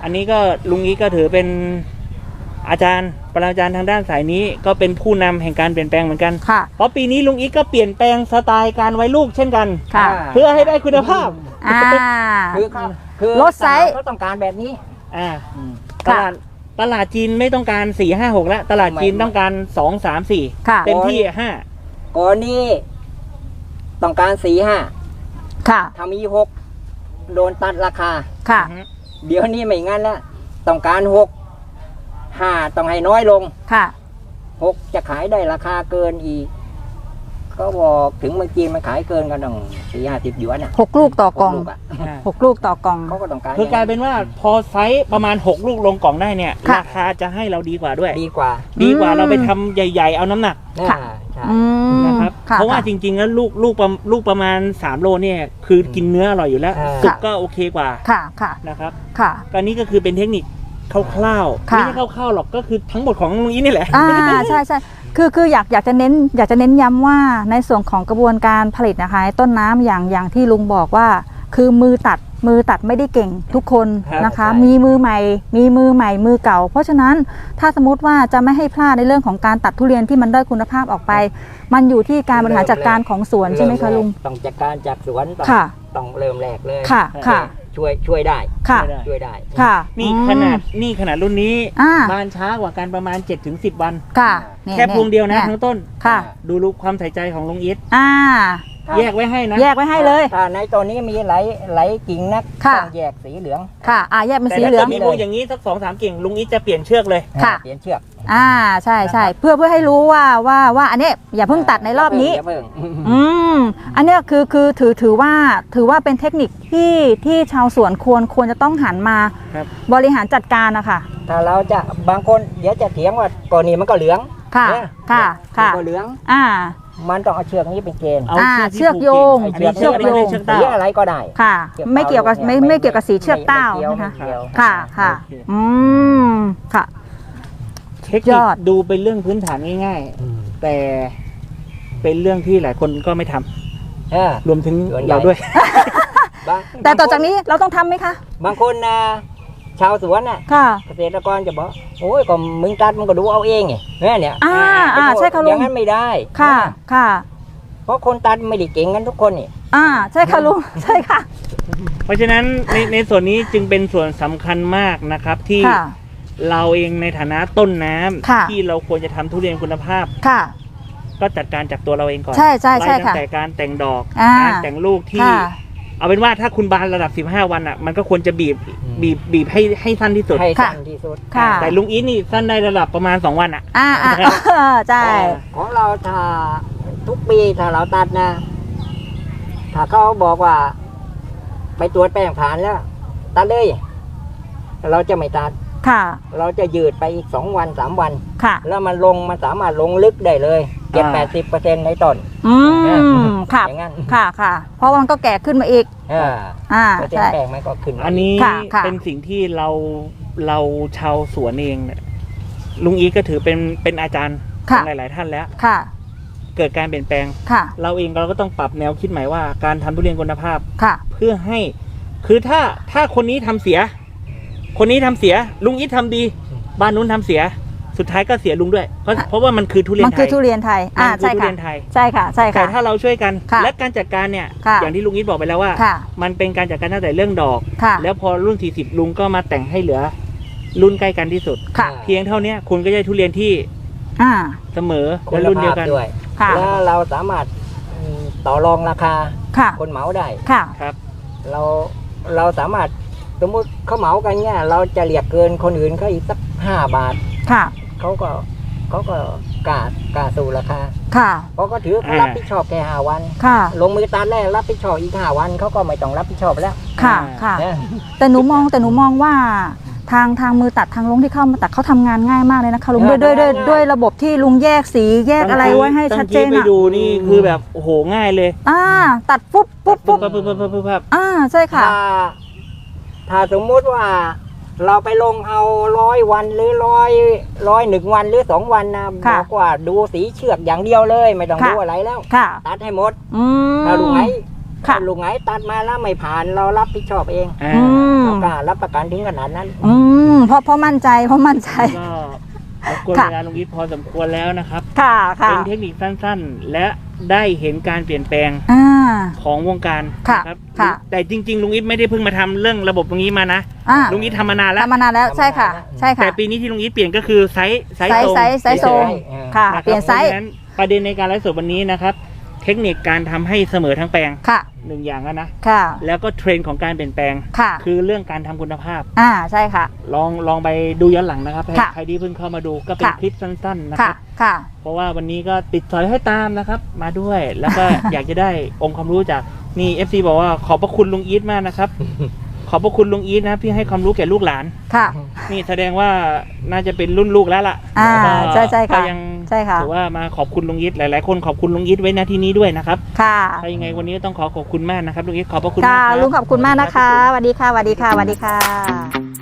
Speaker 1: อันนี้ก็ลุงอีทก็ถือเป็นอาจารย์ปรมาจารย์ทางด้านสายนี้ก็เป็นผู้นำแห่งการเปลี่ยนแปลงเหมือนกัน
Speaker 2: ค่ะ
Speaker 1: เพราะปีนี้ลุงอีทก็เปลี่ยนแปลงสไตล์การไว้ลูกเช่นกัน
Speaker 2: ค่ะ
Speaker 1: เพื่อให้ได้คุณภาพ
Speaker 2: อ่า
Speaker 3: คือเขาคือ
Speaker 2: ลดไซส์
Speaker 3: เขาต้องการแบบนี้
Speaker 1: อ่าต
Speaker 2: ค่ะ
Speaker 1: ลาดตลาดจีนไม่ต้องการสี่ห้าหกแล้วตลาดจีน
Speaker 3: ไม่
Speaker 1: ต้องการสองสามสี่
Speaker 2: ค่ะ
Speaker 1: เต็มที่ห้า
Speaker 3: ก่อนนี้ต้องการสี่ห้า
Speaker 2: ค่ะ
Speaker 3: ถ้ามีหกโดนตัดราคา
Speaker 2: ค่ะ
Speaker 3: เดี๋ยวนี้ไม่งั้นแล้วต้องการหกห้าต้องให้น้อยลง
Speaker 2: ค่ะ
Speaker 3: หกจะขายได้ราคาเกินอีก ก็บอกถึงเมืองจีนมันขายเกินกันต้องสี่ห้าสิบหยวนอ่ะ
Speaker 2: หกลูกต่อกล่อง
Speaker 3: หกลูกอะ
Speaker 2: หกลูกต่อกล่อง
Speaker 3: เขาก็ต้องการ
Speaker 1: คือกลายเป็นว่าพอไซส์ประมาณหกลูกลงกล่องได้เนี่ย
Speaker 2: ค่ะ
Speaker 1: ราคาจะให้เราดีกว่าด้วย
Speaker 3: ดีกว่า
Speaker 1: ดีกว่า
Speaker 2: อืม
Speaker 1: เราไปทำใหญ่ๆเอาน้ำหนัก
Speaker 2: ค่ะ
Speaker 3: อ่าใช่
Speaker 2: อืม
Speaker 1: นะครับ
Speaker 2: ค่
Speaker 1: เพราะว่าจริงๆแล้วลูกลูกประลูกประมาณสามโลเนี่ยคือกินเนื้ออร่อยอยู่แล้ว
Speaker 3: อ่า
Speaker 1: สุกก็โอเคกว่า
Speaker 2: ค่ะ ค่ะ
Speaker 1: นะครับ
Speaker 2: ค่ะ
Speaker 1: ก็นี่ก็คือเป็นเทคนิคคร่าวๆ
Speaker 2: ค่ะ
Speaker 1: ไม่ใช่คร่าวๆหรอกก็คือทั้งหมดของลุงอีทนี่แหละ
Speaker 2: อ่าใช่ใช่คือคืออยากอยากจะเน้นอยากจะเน้นย้ำว่าในส่วนของกระบวนการผลิตนะคะต้นน้ำอย่างอย่างที่ลุงบอกว่า คือมือตัดมือตัดไม่ได้เก่งทุกคน
Speaker 1: ครับ
Speaker 2: นะคะ
Speaker 3: ใช่
Speaker 2: มีมือใหม่ มีมือใหม่มือเก่า เพราะฉะนั้นถ้าสมมติว่าจะไม่ให้พลาดในเรื่องของการตัดทุเรียนที่มันด้อยคุณภาพออกไป มันอยู่ที่การบริหารจัดการของสวนใช่ไหมคะลุง
Speaker 3: ต้องจัดการจากสวนต้อง
Speaker 2: ค่ะ
Speaker 3: ต้องเริ่มแรกเลย
Speaker 2: ค่ะค่ะ
Speaker 3: ช่วยช่วยได้
Speaker 2: ค่ะ
Speaker 3: ช่วยได้
Speaker 2: ค่ะ
Speaker 1: นี่
Speaker 2: อืม
Speaker 1: ขนาดนี่ขนาดรุ่นนี้
Speaker 2: อ่า
Speaker 1: บานช้ากว่ากันประมาณ เจ็ดถึงสิบ วัน
Speaker 2: ค่ะนี่
Speaker 1: แค่พวงเดียวนะ
Speaker 2: นี่
Speaker 1: ทั้งต้น
Speaker 2: ค่ะ
Speaker 1: ดูรูปความใส่ใจของลุงอีท
Speaker 2: อ่า
Speaker 1: แยกไว้ให้นะ
Speaker 2: แยกไว้ให้เลย
Speaker 3: ถ้าในตัวนี้มีไหลไหลกิ่งนัก
Speaker 2: ค่ะ
Speaker 3: ต้องแยกสีเหลือง
Speaker 2: ค่ะอ่าแยกเป็น
Speaker 1: แต่
Speaker 2: สี
Speaker 1: ถ้า
Speaker 2: เหลื
Speaker 1: เกิ
Speaker 2: อ
Speaker 1: ด
Speaker 2: ง
Speaker 1: มีพวงอย่างนี้สักสองสามกิ่งลุงอีทจะเปลี่ยนเชือกเลย
Speaker 2: ค่ะ
Speaker 3: เปลี่ยนเชือก
Speaker 2: อ่าใช่ใช่เพื่อเพื่อให้รู้ว่าว่าว่าอันเนี้ยอย่าเพิ่งตัดในรอบนี้
Speaker 3: ย่าเพิ่ง
Speaker 2: อืมอันเนี้ยคือคือถือถือว่าถือว่าเป็นเทคนิคที่ที่ชาวสวนควรควรจะต้องหันมา
Speaker 1: ครับ
Speaker 2: บริหารจัดการนะคะ
Speaker 3: ถ้าเราจะบางคนเดี๋ยวจะเถียงว่าก่อนนี้มันก็เหลือง
Speaker 2: ค่ะ
Speaker 3: เนี่ย
Speaker 2: ค่ะ
Speaker 3: มัน
Speaker 2: ค่ะ
Speaker 3: ก็เหลือง
Speaker 2: อ่า
Speaker 3: มันต้องเอาเชือกนี้เป็นเกณฑ์
Speaker 1: เอา
Speaker 2: อ่า
Speaker 1: เชื
Speaker 2: เชื
Speaker 1: อ
Speaker 2: อก ก
Speaker 1: ที่
Speaker 2: โยง
Speaker 1: ผูกกิ่ง
Speaker 2: เชือกโยง
Speaker 1: เชือก
Speaker 3: สี
Speaker 1: เต้า
Speaker 3: อะไรก็ได้
Speaker 2: ค่ะ
Speaker 3: เชือก
Speaker 2: ไม่เกี่ยวกับ
Speaker 3: เต้า
Speaker 2: ไม่
Speaker 3: เนี่ย
Speaker 2: ไม่เกี่ยวกับสีเชือกเต้า
Speaker 3: ไม่เกี่ยว
Speaker 2: นะคะ
Speaker 3: ไม่เกี่ยว
Speaker 2: ค่ะค่ะ
Speaker 1: โอเค
Speaker 2: อืมค่ะ
Speaker 1: เทคนิ
Speaker 2: ย
Speaker 1: ค
Speaker 2: อด
Speaker 1: ดูเป็นเรื่องพื้นฐานง่าย
Speaker 3: อืม
Speaker 1: ๆ แต่เป็นเรื่องที่หลายคนก็ไม่ทำ
Speaker 3: เออ
Speaker 1: รวมถึง
Speaker 3: ส่วนใหญ่
Speaker 1: เราด้วย
Speaker 3: บาง
Speaker 2: แต่ต่อจากนี้เราต้องทำไหมคะ
Speaker 3: บางคนนะชาวสวนน่ะ
Speaker 2: ค่ะ
Speaker 3: เกษตรกรจะบอกโอ้ยก็มึงตัดมึงก็ดูเอาเองไงเนี่ยเนี่ย
Speaker 2: อ่าอ่าใช่ค่ะ
Speaker 3: อ
Speaker 2: ลุ
Speaker 3: ย่าง งนั้นไม่ได้
Speaker 2: ค่ะ
Speaker 3: นะ
Speaker 2: ค่ะ
Speaker 3: เพราะคนตัดไม่ได้เก่งกันทุกคนนี่
Speaker 2: อ่าใช่ค่ะลุงใช่ค่ะ
Speaker 1: เพราะฉะนั้นในในส่วนนี้จึงเป็นส่วนสำคัญมากนะครับที่
Speaker 2: ค่ะ
Speaker 1: เราเองในฐานะต้นน้ำ
Speaker 2: ค่ะ
Speaker 1: ที่เราควรจะทำทุเรียนคุณภาพ
Speaker 2: ค่ะ
Speaker 1: ก็จัดการจากตัวเราเองก่อน
Speaker 2: ใช่ใช่ใช่
Speaker 1: ไล่ตั้
Speaker 2: ค่ะ
Speaker 1: งแต่การแต่งดอก
Speaker 2: อ่า
Speaker 1: การแต่งลูกที่
Speaker 2: ค่ะ
Speaker 1: เอาเป็นว่าถ้าคุณบานระดับสิบห้าวันอ่ะมันก็ควรจะบีบบีบบีบให้ให้สั้นที่สุด
Speaker 3: ให้
Speaker 2: ค่ะ
Speaker 3: สั้นที่สุด
Speaker 2: ค่ะ
Speaker 1: แต่ลุงอีทนี่สั้นได้ระดับประมาณสองวันอ่ะ
Speaker 2: อ่าอ่าเออใช่
Speaker 3: ของเราถ้าทุกปีถ้าเราตัดนะ ถ้าเขาบอกว่า ไปตรวจแป้งผ่านแล้ว ตัดเลย เราจะไม่ตัด
Speaker 2: ค่ะ
Speaker 3: เราจะยืดไปอีกสองวันสามวัน
Speaker 2: ค่ะ
Speaker 3: แล้วมันลงมันสามารถลงลึกได้เลยเจ็ดแปดสิบเปอร์เซ็นต์ในต้น
Speaker 2: อืมค่ะ
Speaker 3: อย่างนั้น
Speaker 2: ค่ะค่ะ เพราะว่ามันก็แก่ขึ้นมาอีก
Speaker 3: อ่า
Speaker 2: อ่า
Speaker 3: เปอร์เซ็น
Speaker 2: ใช่
Speaker 3: ต์แป้งมันก็ขึ้นมา
Speaker 1: อันนี้
Speaker 2: ค่ะค่ะ
Speaker 1: เป็นสิ่งที่เราเราชาวสวนเองเนี่ยลุงอีทก็ถือเป็นเป็นอาจารย์ข
Speaker 2: ค่ะ
Speaker 1: องหลาย ๆ ท่านแล้ว
Speaker 2: ค่ะ
Speaker 1: เกิดการเปลี่ยนแปลง
Speaker 2: ค่ะ
Speaker 1: เราเองเราก็ต้องปรับแนวคิดใหม่ว่าการทำทุเรียนคุณภาพ
Speaker 2: ค่ะ
Speaker 1: เพื่อให้ คือถ้าถ้าคนนี้ทำเสีย คนนี้ทำเสีย ลุงอีททำดี บ้านนู้นทำเสีย สุดท้ายก็เสียลุงด้วย เพราะเพราะว่ามันคือทุเรียน
Speaker 2: มัน
Speaker 1: ไท
Speaker 2: คือย ทุเรียนไทย อ่า
Speaker 1: มันคือ
Speaker 2: ใช่
Speaker 1: ทุ
Speaker 2: ค่ะ
Speaker 1: เรียนไทย
Speaker 2: ใช่ค่ะ ใช่
Speaker 1: แต่
Speaker 2: ค่ะ
Speaker 1: ถ้าเราช่วยกัน
Speaker 2: ค่ะ
Speaker 1: และการจัดการเนี่ย
Speaker 2: ค่ะ
Speaker 1: อย่างที่ลุงอีทบอกไปแล้วว่า
Speaker 2: ค่ะ
Speaker 1: มันเป็นการจัดการตั้งแต่เรื่องดอก
Speaker 2: ค่ะ
Speaker 1: แล้วพอรุ่นสี่สิบลุงก็มาแต่งให้เหลือ รุ่นใกล้กันที่สุด
Speaker 2: ค่ะ
Speaker 1: เพียงเท่านี้คุณก็ได้ทุเรียนที่
Speaker 2: อ่า
Speaker 1: เสมอ
Speaker 3: คุ
Speaker 1: และ
Speaker 3: ณ
Speaker 1: รุ่นเดีย
Speaker 3: ภาว พ
Speaker 1: กัน
Speaker 3: ด้วย
Speaker 2: ค่ะ
Speaker 3: แล้วเราสามารถอืมต่อรองราคา
Speaker 2: ค่ะ
Speaker 3: คนเหมาได้
Speaker 2: ค่ะ
Speaker 1: ครับ
Speaker 3: เราเราสามารถสมมุติเขาเหมากันเนี่ยเราจะเรียกเกินคนอื่นเขาอีกสักห้าบาท
Speaker 2: ค่ะ
Speaker 3: เขาก็เขาก็กล้ากล้าสู่ราคา
Speaker 2: ค่ะ
Speaker 3: เพราะก็ถือเขารับผิดชอบแค่ห้าวัน
Speaker 2: ค่ะ
Speaker 3: ลงมือตัดแรกรับผิดชอบอีกห้าวันเขาก็ไม่ต้องรับผิดชอบแล้ว
Speaker 2: ค่ะ ค่ะ
Speaker 3: นะ
Speaker 2: แต่หนูมองแต่หนูมองว่าทางทางมือตัดทางลุงที่เข้ามาตัดเขาทำงานง่ายมากเลยนะคะลุงด้วยด้วยด้วยด้วยระบบที่ลุงแยกสีแยกอะไรไว้ให้ชัดเจน
Speaker 1: ตั้งที่ไป
Speaker 2: อ่ะ
Speaker 1: ดูนี่คือแบบโอ้โหง่ายเลย
Speaker 2: อ่า ตัดปุ๊บปุ๊บ
Speaker 1: ปุ๊
Speaker 2: ปุ๊
Speaker 1: บบ ปั๊บปั๊บปั๊บปั๊บปั๊บ
Speaker 2: อ่าใช่ค่ะ
Speaker 3: ถ้าถ้าสมมุติว่าเราไปลงเอาร้อยวันหรือร้อยร้อยหนึ่งวันหรือสองวันนะบ
Speaker 2: ค่ะ
Speaker 3: อกว่าดูสีเชือกอย่างเดียวเลย ไม่ต้อง
Speaker 2: ค่ะ
Speaker 3: ดูอะไรแล้ว
Speaker 2: ค่ะ
Speaker 3: ตัดให้หมด
Speaker 2: อืม
Speaker 3: ถ้าลุงไหน
Speaker 2: ค่ะ
Speaker 3: ลุงไหนตัดมาแล้วไม่ผ่านเรารับผิดชอบเอง
Speaker 1: อ่า
Speaker 2: อืม
Speaker 3: เรากล้ารับประกันถึงขนาดนั้น
Speaker 2: อืมเพราะเพราะมั่นใจเพราะมั่นใจ
Speaker 1: ก็รบกวน
Speaker 2: ค่ะ
Speaker 1: เวลาลุงอีทพอสมควรแล้วนะครับ
Speaker 2: ค่ะค่ะ
Speaker 1: เป็นเทคนิคสั้นๆ และได้เห็นการเปลี่ยนแปลง
Speaker 2: อ่า
Speaker 1: ของวงการ
Speaker 2: ค่ะ
Speaker 1: นะครับ
Speaker 2: ค่ะ
Speaker 1: แต่จริงๆลุงอีทไม่ได้เพิ่งมาทำเรื่องระบบตรงนี้มานะ
Speaker 2: อ่า
Speaker 1: ลุงอีททำมานานแล้ว
Speaker 2: ทำมานานแล้วใช่ค่ะ ใช่ค่ะ
Speaker 1: แต่ปีนี้ที่ลุงอีทเปลี่ยนก็คือไซส์ไซส์
Speaker 2: ไซส์
Speaker 1: ทรง
Speaker 2: ไซส์ไซส์ทรง
Speaker 3: เออ
Speaker 2: ค่ะ
Speaker 1: นะครับ
Speaker 2: เปลี่ยนไซส์
Speaker 1: พราะฉะนั้นประเด็นในการไลฟ์สดวันนี้นะครับ เทคนิคการทำให้เสมอทั้งแปลง
Speaker 2: ค่ะ
Speaker 1: หนึ่งอย่างแล้วนะ
Speaker 2: ค่ะ
Speaker 1: แล้วก็เทรนด์ของการเปลี่ยนแปลง
Speaker 2: ค่ะ
Speaker 1: คือเรื่องการทำคุณภาพ
Speaker 2: อ่าใช่ค่ะ
Speaker 1: ลองลองไปดูย้อนหลังนะครับ
Speaker 2: ค่ะ
Speaker 1: ใครที่เพิ่งเข้ามาดูก็เป็น
Speaker 2: ค่ะ
Speaker 1: คลิปสั้นๆนะค
Speaker 2: ค่ะ
Speaker 1: รับ
Speaker 2: ค่ะ
Speaker 1: เพราะว่าวันนี้ก็ติดสอยให้ตามนะครับ มาด้วย แล้วก็ อยากจะได้องค์ความรู้จากนี่ เอฟ ซี บอกว่าขอบพระคุณลุงอีทมากนะครับ ขอบพระคุณลุงอีทนะที่ให้ความรู้แก่ลูกหลาน
Speaker 2: ค่ะ
Speaker 1: นี่แสดงว่าน่าจะเป็นรุ่นลูกแล้วล่ะ
Speaker 2: อ่า
Speaker 1: ก็
Speaker 2: ใช่ใช่ค่ะ
Speaker 1: ก็ยัง
Speaker 2: ใช่ค่ะ
Speaker 1: ถือว่ามาขอบคุณลุงอีทหลายๆคนขอบคุณลุงอีทไว้ณที่นี้ด้วยนะครับ
Speaker 2: ค่ะ
Speaker 1: ถ้ายังไงวันนี้ก็ต้องขอขอบคุณมากนะครับลุงอีทขอบพระคุณ
Speaker 2: ค่ะ
Speaker 1: มากครับ
Speaker 2: ลุงขอบคุณมากนะคะสวัสดีค่ะสวัสดีค่ะสวัสดีค่ะ